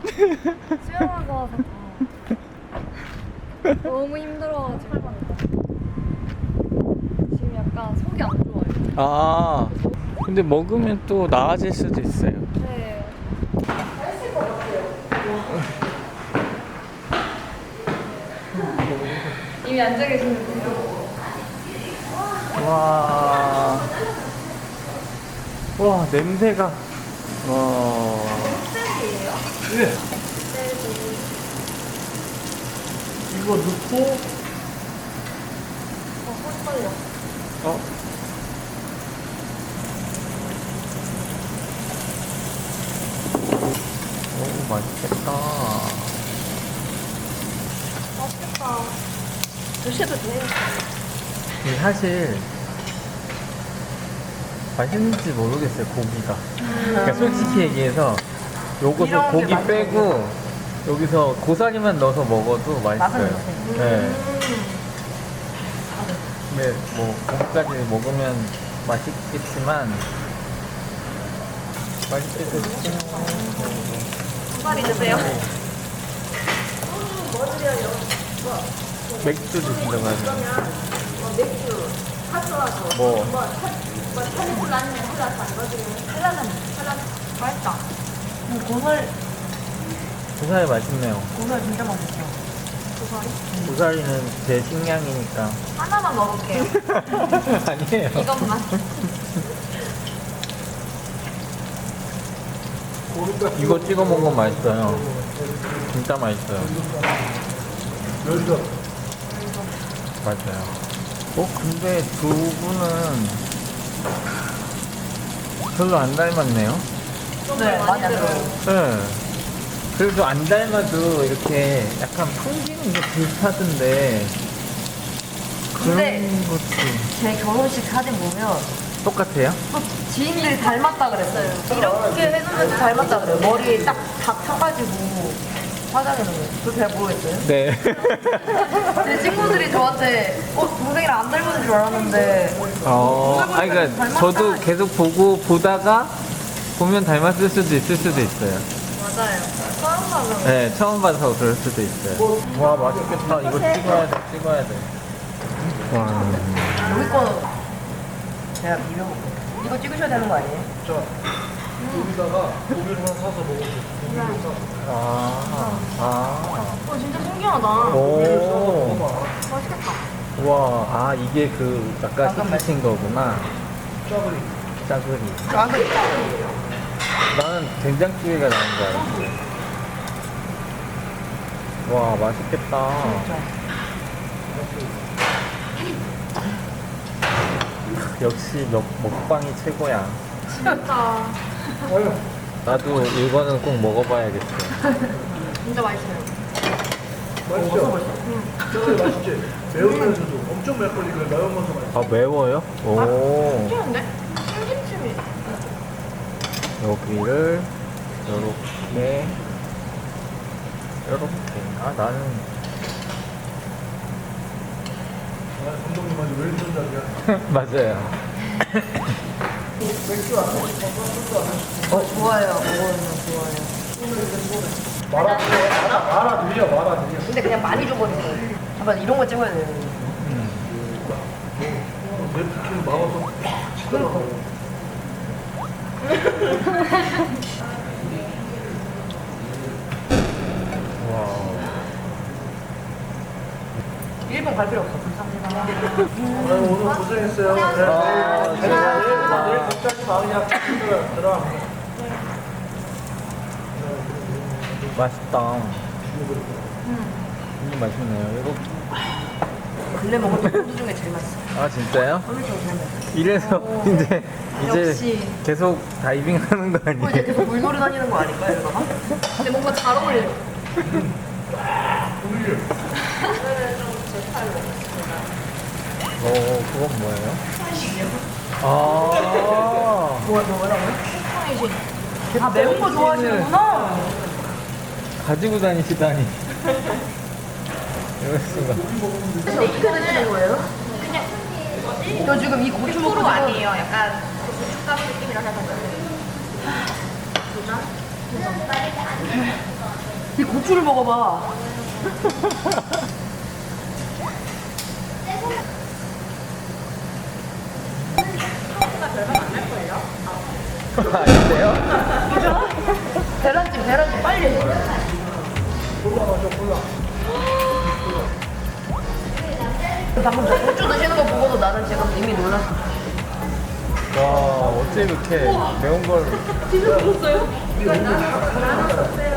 수영하고 와서 너무 힘들어가지고 지금 약간 속이 안 좋아요. 아, 근데 먹으면 또 나아질 수도 있어요. 네. 맛있을 것 같아요. 이미 앉아 계시는데요. 와, 와 냄새가. 와. 흑돼지예요? 네. 흑돼지. 이거 넣고 헷갈려. 어? 오, 맛있겠다. 맛있겠다. 드셔도 돼요. 근데 사실 맛있는지 모르겠어요, 고기가. 그러니까 솔직히 얘기해서 요것을 이런 게 고기 맛있어요. 빼고 여기서 고사리만 넣어서 먹어도 맛있어요. 맛은 네. 근데 뭐 고기까지 먹으면 맛있겠지만 맛있게 드시면 한 드세요. 맥주 드신다고 하죠. 맥주, 카스와서 뭐 찰리플라는 헬라스 안 넣어주면 헬라는 맛있다. 고설 고사리 맛있네요. 진짜 맛있어. 고사리는 제 식량이니까. 하나만 먹을게요. 아니에요. 이것만. 이거 찍어 먹으면 맛있어요. 진짜 맛있어요. 여기서 맞아요. 근데 두 분은 별로 안 닮았네요. 네, 많이 안 들어요. 네. 그래도 안 닮아도 이렇게 약간 풍기는 게 비슷하던데. 근데 그런 것도 제 결혼식 사진 보면 똑같아요? 또 지인들이 닮았다 그랬어요. 이렇게 해놓으면 닮았다 그래요. 머리 딱 쳐가지고 화장해놓은 거예요. 그거 잘 모르겠어요. 네. 제 친구들이 저한테 동생이랑 안 닮은 줄 알았는데 아니, 그러니까 저도 계속 보다가 보면 닮았을 수도 있을 수도 있어요. 맞아요. 처음 봐서 네, 처음 봐서 그럴 수도 있어요. 와, 맛있겠다. 이거 찍어야 돼. 와. 여기 거 제가 비벼볼게요. 이거 찍으셔야 되는 거 아니에요? 자 여기다가 고기를 하나 사서 먹어줘. 고기를 사서. 진짜 신기하다. 오. 맛있겠다. 와, 이게 그 아까 시키신 거구나. 짜글이. 짜글이. 나는 된장찌개가 나온 줄 알았어. 와, 맛있겠다. 역시 먹방이 최고야. 진짜. 나도 이거는 꼭 먹어봐야겠어. 진짜 맛있어요. 맛있죠? 짜글이 맛있지? 매우면서도 엄청 맵거리 그 매운면서 맛있어. 매워요? 오. 신기한데? 찜찜찜이. 여기를 요렇게. 나는 감독님한테 왜 이런 자리야? 맞아요. 좋아요. 먹으면 좋아요. 마라 드려. 근데 그냥 많이 줘버린 거예요. 한번 이런 거 찍어야 돼요. 냅킨 막아서 치더라고. 와. 일본 갈 필요 없어. 감사합니다. 오늘 고생했어요. 내일 갑자기 마음이 들어갑니다. 맛있다. 맛있네요. 이거. 근래 먹은 푸드 중에 제일 맛있어요. 진짜요? 엄청 제일 맛있어요. 이래서 이제 역시. 계속 다이빙 하는 거 이제 아니에요? 계속 물놀이 다니는 거 아닐까요, 이러다가? 근데 뭔가 잘 어울려요. 그건 뭐예요? 뭐라고요? 매운 거 좋아하시는구나. 가지고 다니시다니. 이럴 수가. 근데 이렇게 드시는 거예요? 저 지금 이 고추 먹고 아니에요. 약간 고춧가루 느낌이라 해서. 이 고추를 먹어봐. 아닌데요? 계란찜 빨리 해. 방금 저 고추 드시는 거 보고도 나는 지금 이미 놀랐어. 와, 어째 이렇게 매운 걸. 진짜 먹었어요?